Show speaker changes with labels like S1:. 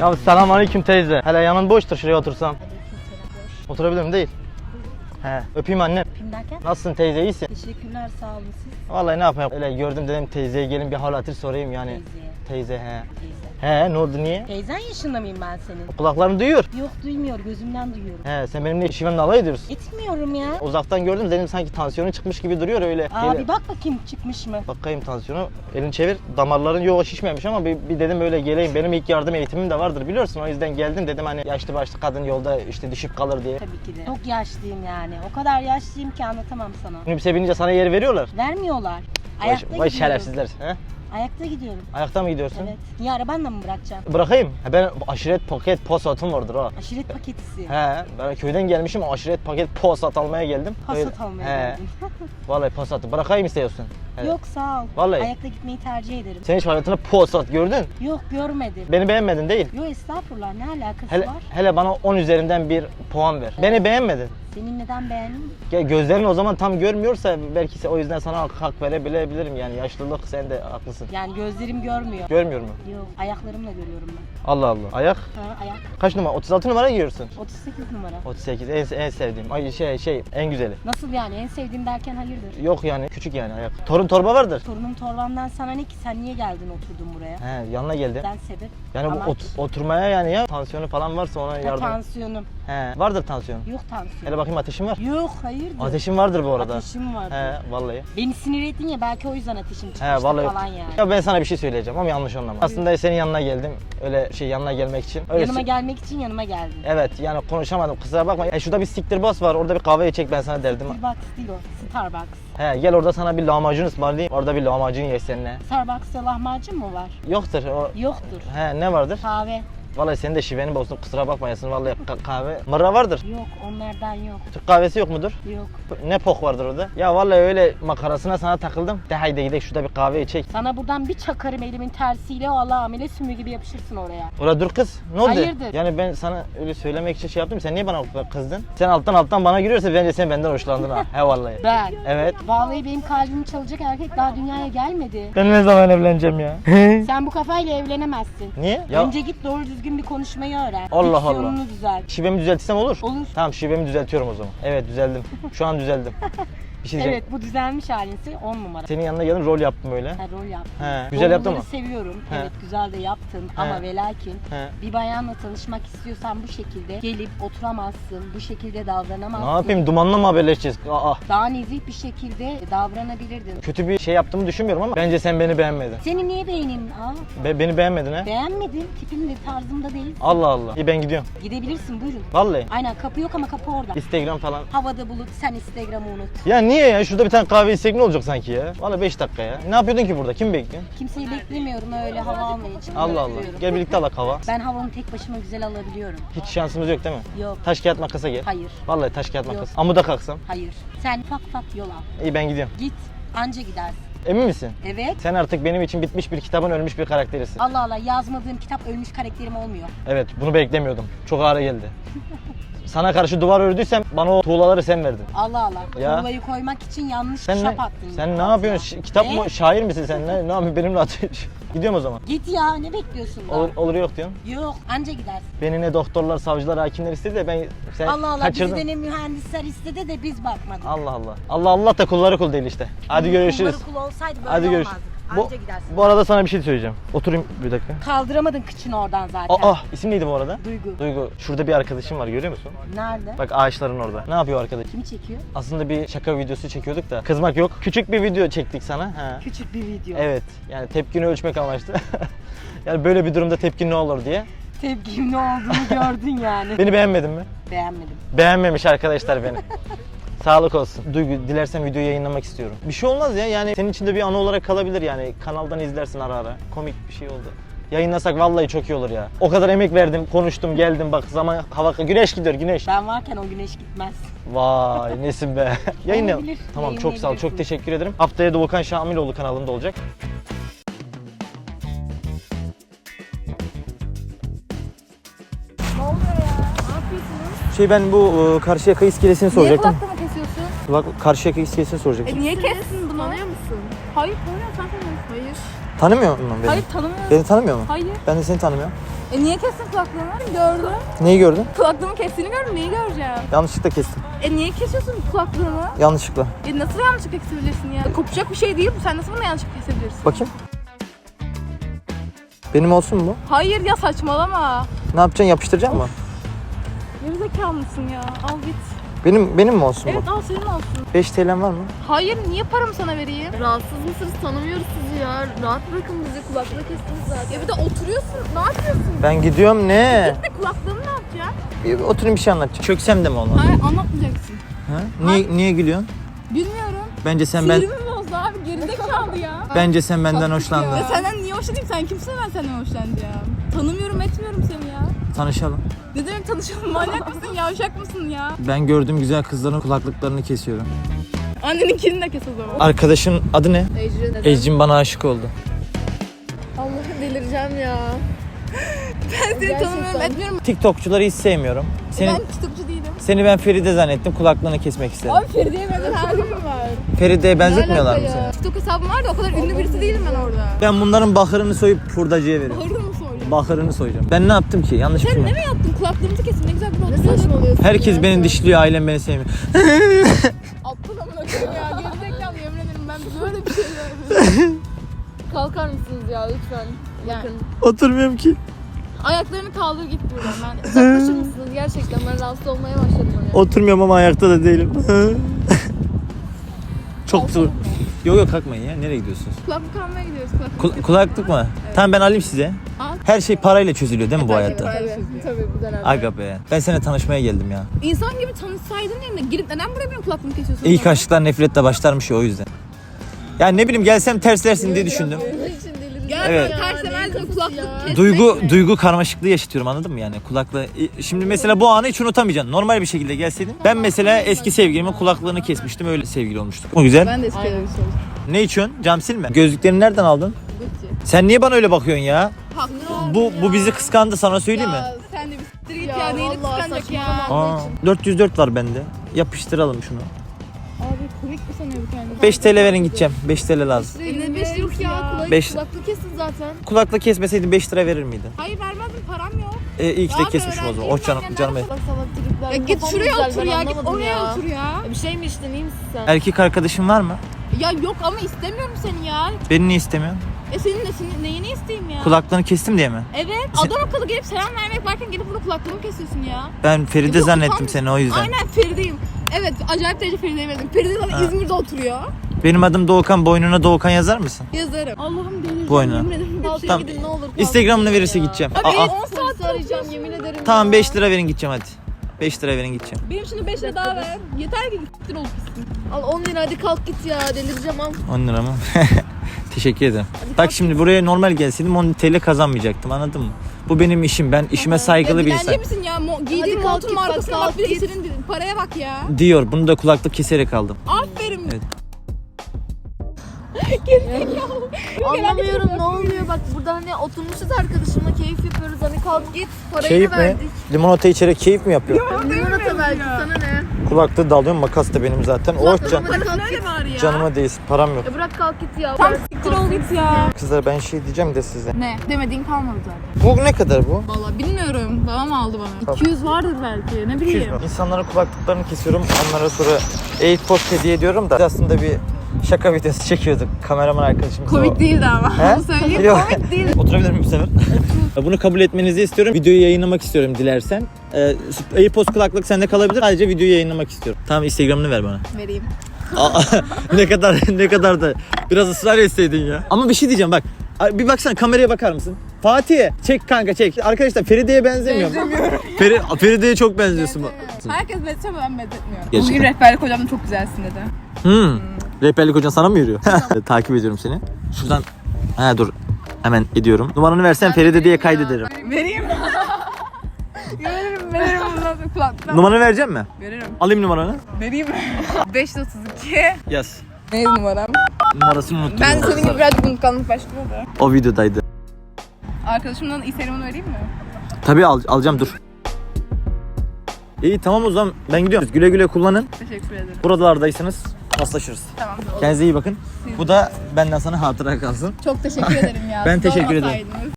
S1: Ya selamünaleyküm teyze. Hele yanın boştur, şuraya otursam.
S2: Aleykümselam, boş.
S1: Oturabilirim değil. He, öpeyim annem.
S2: Öpeyim derken?
S1: Nasılsın teyze, iyisin?
S2: Teşekkürler, sağ olun siz.
S1: Vallahi ne yapayım? Öyle gördüm dedim teyzeye gelin bir hal hatır sorayım yani. Teyze he.
S2: Teyze.
S1: He, ne oldu niye?
S2: Teyzen yaşında mıyım ben senin?
S1: Kulaklarım duyuyor.
S2: Yok, duymuyor, gözümden duyuyorum.
S1: He, sen benimle şivemle alay ediyorsun.
S2: Etmiyorum ya.
S1: Uzaktan gördüm dedim sanki tansiyonu çıkmış gibi duruyor öyle.
S2: Abi bak bakayım çıkmış mı?
S1: Bakayım tansiyonu. Elini çevir. Damarların yok şişmemiş ama bir dedim öyle geleyim. Benim ilk yardım eğitimim de vardır biliyorsun. O yüzden geldim dedim hani yaşlı başlı kadın yolda işte düşüp kalır diye.
S2: Tabii ki de. Çok yaşlıyım yani. O kadar yaşlıyım ki anlatamam sana.
S1: Minibüse binince sana yer veriyorlar.
S2: Vermiyorlar.
S1: Vay,
S2: Ayakta
S1: vay
S2: gidiyorum.
S1: şerefsizler. He?
S2: Ayakta gidiyorum.
S1: Ayakta mı gidiyorsun?
S2: Evet. Niye arabanla mı bırakacağım?
S1: Bırakayım. He, ben aşiret paket posatım vardır ha.
S2: Aşiret paketisi.
S1: He, ben köyden gelmişim aşiret paket posat almaya geldim.
S2: Pasat almaya
S1: He.
S2: geldim.
S1: Vallahi posatı bırakayım istiyorsun. He.
S2: Yok sağ ol.
S1: Vallahi.
S2: Ayakta gitmeyi tercih ederim.
S1: Sen hiç hayatında posat gördün.
S2: Yok görmedim.
S1: Beni beğenmedin değil.
S2: Yok estağfurullah ne alakası
S1: Hele,
S2: var?
S1: hele bana 10 üzerinden bir puan ver. Beni beğenmedin.
S2: Senin neden beğendin?
S1: Ya gözlerin o zaman tam görmüyorsa belki o yüzden sana hak verebilirim yani yaşlılık sen de haklısın.
S2: Yani gözlerim görmüyor.
S1: Görmüyor mu?
S2: Yok ayaklarımla görüyorum ben.
S1: Allah Allah. Ayak
S2: Ha ayak.
S1: kaç numara? 36 numara giyiyorsun.
S2: 38 numara.
S1: 38 en sevdiğim. Ay şey en güzeli.
S2: Nasıl yani en sevdiğim derken hayırdır?
S1: Yok yani küçük yani ayak. Torun torba vardır.
S2: Torunum torbamdan sana ne ki sen niye geldin oturdun buraya?
S1: He yanına geldim.
S2: Ben sebep.
S1: Yani bu
S2: Amaç.
S1: oturmaya yani ya tansiyonu falan varsa ona
S2: Ha,
S1: yardım.
S2: tansiyonum.
S1: He vardır tansiyon.
S2: Yok tansiyon.
S1: Hele bakayım ateşin var.
S2: Yok hayırdır?
S1: Ateşin vardır bu arada.
S2: Ateşim vardı.
S1: He vallahi.
S2: Beni sinir ettin ya belki o yüzden ateşim çıkmıştı
S1: He vallahi.
S2: falan yani.
S1: Ya ben sana bir şey söyleyeceğim ama yanlış anlama. Aslında senin yanına geldim. Öyle yanına gelmek için. Öyle
S2: Yanıma gelmek için yanıma geldin.
S1: Evet yani konuşamadım kusura bakma. Şurada bir siktir boss var orada bir kahve içecek ben sana derdim.
S2: Starbucks değil o. Starbucks.
S1: He gel orada sana bir lahmacun ısmarlayayım. Orada bir lahmacun ye seninle.
S2: Starbucks'ta lahmacun mu var?
S1: Yoktur o.
S2: Yoktur.
S1: He ne vardır?
S2: Kahve.
S1: Vallahi senin de şiveni bozdum kusura bakmayasın vallahi kahve. Mırra vardır.
S2: Yok onlardan yok.
S1: Türk kahvesi yok mudur?
S2: Yok.
S1: Ne pok vardır orada? Ya vallahi öyle makarasına sana takıldım. De haydi gidelim şurada bir kahve içek.
S2: Sana buradan bir çakarım elimin tersiyle o Allah amele sümüğü gibi yapışırsın oraya.
S1: Orada dur kız. Ne oldu?
S2: Hayırdır?
S1: Yani ben sana öyle söylemek için şey yaptım. Sen niye bana kızdın? Sen alttan bana giriyorsa bence sen benden hoşlandın ha. He vallahi.
S2: Ben.
S1: Evet.
S2: Vallahi benim kalbimi çalacak erkek daha dünyaya gelmedi.
S1: Ben ne zaman evleneceğim ya?
S2: Sen bu kafayla evlenemezsin.
S1: Niye? Ya
S2: Önce git doğru düzgün bir konuşmayı öğren.
S1: Allah Allah.
S2: Diksiyonunu düzelt.
S1: şivemi düzeltsem olur.
S2: Olur.
S1: Tamam şivemi düzeltiyorum o zaman. Evet düzeldim. Şu an düzeldim. Bir şey diyeceğim.
S2: Evet bu düzelmiş halinse 10 numara.
S1: Senin yanına geldim rol yaptım öyle.
S2: Ha, rol yaptın.
S1: He, güzel yaptın mı?
S2: Rolleri seviyorum.
S1: He.
S2: Evet güzel de yaptın ama ve lakin
S1: He.
S2: bir bayanla tanışmak istiyorsan bu şekilde gelip oturamazsın. Bu şekilde davranamazsın.
S1: Ne yapayım dumanla mı haberleşeceğiz? Aa.
S2: Daha nezih bir şekilde davranabilirdin.
S1: Kötü bir şey yaptığımı düşünmüyorum ama bence sen beni beğenmedin.
S2: Seni niye beğeneyim?
S1: Beni beğenmedin ha?
S2: Beğenmedim. Tipin de tarzımda değil.
S1: Allah Allah. İyi ben gidiyorum.
S2: Gidebilirsin buyurun.
S1: Vallahi.
S2: Aynen kapı yok ama kapı orada.
S1: Instagram falan.
S2: Havada bulut sen Instagram'ı unut.
S1: Ya niye ya? Şurada bir tane kahve içsek ne olacak sanki ya? Vallahi 5 dakika ya. Ne yapıyordun ki burada? Kim bekliyorsun?
S2: Kimseyi beklemiyorum öyle hava almaya için.
S1: Allah Allah.
S2: Bekliyorum.
S1: Gel birlikte alak hava.
S2: Ben havanı tek başıma güzel alabiliyorum.
S1: Hiç şansımız yok değil mi?
S2: Yok.
S1: Taş kağıt makasa gel.
S2: Hayır.
S1: Vallahi taş kağıt
S2: Yok.
S1: makas. Amuda kalksam.
S2: Hayır. Sen ufak ufak yol al.
S1: İyi ben gidiyorum.
S2: Git. Anca gidersin.
S1: Emin misin?
S2: Evet.
S1: Sen artık benim için bitmiş bir kitabın ölmüş bir karakterisin.
S2: Allah Allah yazmadığım kitap ölmüş karakterim olmuyor.
S1: Evet bunu beklemiyordum. Çok ağır geldi. Sana karşı duvar ördüysem bana o tuğlaları sen verdin.
S2: Allah Allah.
S1: Ya.
S2: Tuğlayı koymak için yanlış
S1: Sen
S2: şap
S1: ne,
S2: attın.
S1: sen ne yapıyorsun? Kitap
S2: Ne?
S1: mı? Şair misin sen? Ne yapıyorsun? Benimle atıyorsun. Gidiyorum o zaman.
S2: Git ya ne bekliyorsun daha?
S1: Olur yok diyorsun.
S2: Yok anca gidersin.
S1: Beni ne doktorlar, savcılar, hakimler istedi de ben sen
S2: Allah Allah
S1: kaçırdın.
S2: bizi de ne mühendisler istedi de biz bakmadık.
S1: Allah Allah. Allah Allah da kulları kul değil işte. Hadi görüşürüz.
S2: Kulları kul olsaydı böyle
S1: Hadi görüşürüz.
S2: olmazdı.
S1: Bu,
S2: Anca gidersin.
S1: bu arada sana bir şey söyleyeceğim. Oturayım bir dakika.
S2: Kaldıramadın kıçını oradan zaten.
S1: Aa, isim neydi bu arada?
S2: Duygu.
S1: Duygu. Şurada bir arkadaşım var görüyor musun?
S2: Nerede?
S1: Bak ağaçların orada. Ne yapıyor arkadaş?
S2: Kimi çekiyor?
S1: Aslında bir şaka videosu çekiyorduk da. Kızmak yok. Küçük bir video çektik sana. Ha.
S2: Küçük bir video.
S1: Evet. Yani tepkini ölçmek amaçlı. Yani böyle bir durumda tepkin ne olur diye.
S2: Tepkim ne olduğunu gördün yani.
S1: Beni beğenmedin mi?
S2: Beğenmedim.
S1: Beğenmemiş arkadaşlar beni. Sağlık olsun. Duygu dilersen videoyu yayınlamak istiyorum. Bir şey olmaz ya yani senin için de bir anı olarak kalabilir yani. Kanaldan izlersin ara ara. Komik bir şey oldu. Yayınlasak vallahi çok iyi olur ya. O kadar emek verdim, konuştum, geldim bak zaman hava güneş gidiyor güneş.
S2: Ben varken o güneş gitmez.
S1: Vay nesin be. Yayınla.
S2: Olabilir,
S1: Tamam çok sağ ol. Çok
S2: yayınlayabilirsin.
S1: teşekkür ederim. Haftaya da Volkan Şamiloğlu kanalında olacak.
S3: Ne oluyor ya? Ne yapıyorsunuz?
S1: Ben bu Karşıyaka iskelesini
S3: Niye
S1: soracaktım.
S3: kulaklığı kesiyorsun?
S1: Karşıyaka iskelesini soracaktım.
S3: Niye kessin bunu? Tanıyor musun? Hayır tanımıyorum, sen tanımıyorsun. Hayır.
S1: Tanımıyor musun beni?
S3: Hayır tanımıyorum.
S1: Beni tanımıyor mu?
S3: Hayır.
S1: Ben de seni tanımıyorum.
S3: Niye kestin kulaklığımı? Gördüm.
S1: Neyi gördün?
S3: Kulaklığımı kestiğini gördüm. Neyi göreceğim?
S1: Yanlışlıkla kestim.
S3: Niye kesiyorsun kulaklığımı?
S1: Yanlışlıkla.
S3: Nasıl yanlışlıkla kesebilirsin ya? Kopacak bir şey değil bu. Sen nasıl bunu yanlışlıkla kesebilirsin?
S1: Bakayım. Benim olsun mu bu?
S3: Hayır ya, saçmalama.
S1: Ne yapacaksın? Yapıştıracak mı?
S3: Gerizekalı mısın ya? Al git.
S1: Benim mi olsun
S3: Evet,
S1: bu?
S3: al senin olsun.
S1: 5 TL'm var mı?
S3: Hayır, niye paramı sana vereyim?
S4: Rahatsız mısınız? Tanımıyoruz sizi ya. Rahat bırakın bizi. Kulaklığı kestiniz zaten.
S3: Ya bir de oturuyorsun. Ne yapıyorsun?
S1: Ben gidiyorum ne?
S3: Git de kulaklığımı ne yapacaksın?
S1: Bir oturayım bir şey anlatacağım. Çöksem de mi olmaz?
S3: Hayır, anlatmayacaksın.
S1: Ha? Niye gülüyorsun?
S3: Bilmiyorum.
S1: Bence sen
S3: Sinirimi bozdu abi. Gerizekalı ya.
S1: Bence sen benden hoşlandın.
S3: Ya senden niye hoşlanayım? Sen kimsin ben senden hoşlanacağım? Tanımıyorum etmiyorum seni ya.
S1: Tanışalım.
S3: Ne demek tanışalım? Manyak mısın? Yavşak mısın ya?
S1: Ben gördüğüm güzel kızların kulaklıklarını kesiyorum.
S3: Anneninkini de kes o zaman.
S1: Arkadaşın adı ne?
S4: Ecrin neden?
S1: Ecrin bana aşık oldu.
S4: Allah'ım delireceğim ya.
S3: Ben seni tanımıyorum etmiyorum.
S1: TikTokçuları hiç sevmiyorum.
S3: Ben tutukçu değilim.
S1: Seni ben Feride zannettim. Kulaklığını kesmek istedim.
S3: Abi Feride'ye benzer halim mi var?
S1: Feride'ye benzetmiyorlar mı
S4: alaka ya?
S1: seni?
S3: TikTok hesabım var da o kadar ünlü birisi değilim ben orada.
S1: Ben bunların bakırını soyup hurdacıya veriyorum.
S3: Bağırır mı söylüyorsun?
S1: Bakırını soyacağım. Ben ne yaptım ki? Yanlış bir şey
S3: Sen
S1: mi?
S3: ne mi yaptın? Kulaklığımızı kesin, ne güzel bir
S4: Ne
S3: oturuyorsun.
S4: saçmalıyorsun
S1: Herkes
S4: ya?
S1: beni dişliyor, ailem beni sevmiyor.
S3: Aptal amına koyayım ya. Gerizekalı, yemin ederim ben böyle bir şey görmedim.
S4: Kalkar mısınız ya lütfen?
S3: Yani.
S4: Bakın.
S1: Oturmuyorum ki.
S3: Ayaklarını kaldır git buradan. Ben
S4: Uzaklaşır mısınız? Gerçekten ben rahatsız olmaya başladım. Hani.
S1: Oturmuyorum ama ayakta da değilim. Çok zor. Yok kalkmayın ya. Nereye gidiyorsunuz?
S3: kulaklık almaya gidiyoruz.
S1: Kulaklık mı? Tamam ben alayım size.
S3: Al.
S1: Her şey parayla çözülüyor değil mi bu hayatta?
S4: Tabii bu dönemde.
S1: Aga be. Ben seninle tanışmaya geldim ya.
S3: İnsan gibi tanışsaydın yerine girip neden buraya benim kulaklığımı kesiyorsun?
S1: İlk aşklar nefretle başlarmış ya o yüzden. Yani ne bileyim gelsem terslersin diye düşündüm.
S4: Bunun için delireceğim.
S3: Gel
S1: Evet.
S3: ben ters temelde kulaklık kesmek
S1: Duygu karmaşıklığı yaşatıyorum anladın mı yani kulaklığı. Şimdi mesela bu anı hiç unutamayacaksın. Normal bir şekilde gelseydin. Ben mesela eski sevgilimin kulaklığını kesmiştim öyle sevgili olmuştuk. O güzel.
S3: Ben de eski
S4: Aynen.
S1: Ne içiyorsun? Cam silme. Gözlüklerini nereden aldın?
S4: Gucci.
S1: Sen niye bana öyle bakıyorsun ya?
S3: Haklı.
S1: Bu bizi kıskandı sana söyleyeyim mi?
S3: Ya sen de bir siktir git
S4: Ya
S3: ya. Neyini
S4: vallahi
S3: kıskanacak ya?
S4: saçmalama.
S1: Aa, 404 var bende. Yapıştıralım şunu.
S3: Abi komik mi sanıyor bu kendini?
S1: 5 TL verin gideceğim. 5 TL lazım.
S4: Ne beş yok ya.
S1: Beş-
S4: Kulaklığı kesin zaten.
S1: Kulaklık kesmeseydin 5 lira verir miydin?
S3: Hayır vermezdim, param yok.
S1: İyi ki de
S3: Abi,
S1: kesmişim o zaman. Oh canım,
S3: öğrenciyim,
S1: canım.
S3: ben
S4: Salak salak tripler.
S3: Ya git
S4: Kafam
S3: şuraya
S4: güzel,
S3: otur
S4: ben
S3: ya. Git
S4: anlamadım
S3: oraya
S4: ya.
S3: otur ya.
S4: Ya bir şey mi içtin, iyi misin sen?
S1: Erkek arkadaşın var mı?
S3: Ya yok ama istemiyorum seni ya.
S1: Beni niye istemiyorsun?
S3: Senin neyini isteyeyim ya?
S1: Kulaklarını kestim diye mi?
S3: Evet.
S1: Sen-
S3: Adam akıllı gelip selam vermek varken gelip burada kulaklığımı kesiyorsun ya.
S1: Ben Feride
S3: Yok,
S1: zannettim
S3: utan-
S1: seni o yüzden.
S3: Aynen Feride'yim. Evet, acayip derece Feride'ye benziyorum. Feride zaten
S1: Ha.
S3: İzmir'de oturuyor.
S1: Benim adım Doğukan, boynuna Doğukan yazar mısın?
S3: Yazarım. Allah'ım delireceğim.
S1: Bu oyunu.
S3: Yemin ederim.
S4: Kalkın
S1: Tamam.
S4: gidin ne olur. kalkın
S1: Instagram'ını
S4: gidin
S1: verirse
S4: ya.
S1: gideceğim.
S3: Abi
S1: Aa,
S3: 10
S4: Polisi
S3: saat
S4: arayacağım yemin ederim.
S1: tamam
S4: ya.
S1: 5 lira verin gideceğim hadi. 5 lira verin gideceğim.
S3: Benim şimdi 5 lira daha ver. Yeter ki gittir olup gitsin.
S4: Al 10 lira hadi kalk git ya delireceğim al.
S1: 10 lira mı? Teşekkür ederim. Bak şimdi buraya normal gelseydim 10 TL kazanmayacaktım anladın mı? Bu benim işim. Ben işime saygılı bir
S3: Dilenci
S1: insanım.
S3: misin ya? Giydiğin
S4: kalk
S3: montun
S4: git, bak,
S3: markasına
S4: kalk
S3: bak, bir de
S4: git.
S3: senin paraya bak ya.
S1: Diyor. Bunu da kulaklık keserek aldım.
S3: Aferin.
S1: Evet.
S4: Anlamıyorum ne oluyor bak burada hani oturmuşuz arkadaşımla keyif yapıyoruz hani kalk git parayı
S1: Keyif
S4: da
S1: mi?
S4: verdik.
S1: Limonata içerek keyif mi yapıyor?
S4: Limonata verdik sana ne?
S1: Kulaklığı da alıyorum. Makas da benim zaten. Oh can.
S4: Hadi kalk git.
S3: Öyle var ya.
S1: Canıma değsin. Param yok.
S4: Ya bırak kalk git ya.
S3: Tam siktir ol git ya.
S1: Kızlar ben şey diyeceğim de size.
S3: Ne? Demediğin kalmadı zaten.
S1: Bu ne kadar bu?
S3: Vallahi bilmiyorum. Babam aldı bana.
S1: Tamam.
S3: 200 vardır belki. Ne
S1: 200
S3: bileyim.
S1: mü? İnsanların kulaklıklarını kesiyorum. Onlara sonra AirPods hediye ediyorum da. Biz aslında bir şaka videosu çekiyorduk. Kameraman arkadaşımız
S3: Komik değildi ama.
S1: He?
S3: Onu söyleyeyim.
S1: Yok.
S3: Komik değil.
S1: Oturabilir miyim bu sefer? Bunu kabul etmenizi istiyorum. Videoyu yayınlamak istiyorum dilersen. AirPods kulaklık sende kalabilir. Ayrıca videoyu yayınlamak istiyorum. Tamam Instagram'ını ver bana.
S3: Vereyim.
S1: Aa, ne kadar da biraz ısrar etseydin ya. Ama bir şey diyeceğim bak. Bir baksana kameraya bakar mısın? Fatih çek kanka çek. Arkadaşlar Feride'ye benzemiyor mu? Feride'ye çok benziyorsun.
S3: Herkes benzetiyor ama ben benzetmiyorum.
S1: Gerçekten.
S3: Bugün rehberlik hocam da çok güzelsin dedi.
S1: Rehberlik hocan sana mı yürüyor? Takip ediyorum seni. Şuradan. Ha dur. Hemen ediyorum. Numaranı versen Feride diye kaydederim.
S3: Vereyim. Veririm ondan sonra kulaklıktan.
S1: Numaranı verecek mi?
S3: Veririm.
S1: Alayım numaranı.
S3: Vereyim. 532.
S1: Yaz.
S3: Ne numaram?
S1: Numarasını unuttum.
S3: Ben senin gibi birazcık unutkanlık başlıyor da.
S1: O videodaydı.
S3: Arkadaşımdan Instagram'ını vereyim mi?
S1: Tabii alacağım dur. İyi tamam o zaman ben gidiyorum. Güle güle kullanın.
S3: Teşekkür ederim.
S1: Buralardaysanız paslaşırız.
S3: Tamam.
S1: Kendinize iyi bakın. Bu da benden sana hatıra kalsın.
S3: Çok teşekkür ederim ya.
S1: Ben
S3: Siz
S1: teşekkür ederim.
S3: olmasaydınız.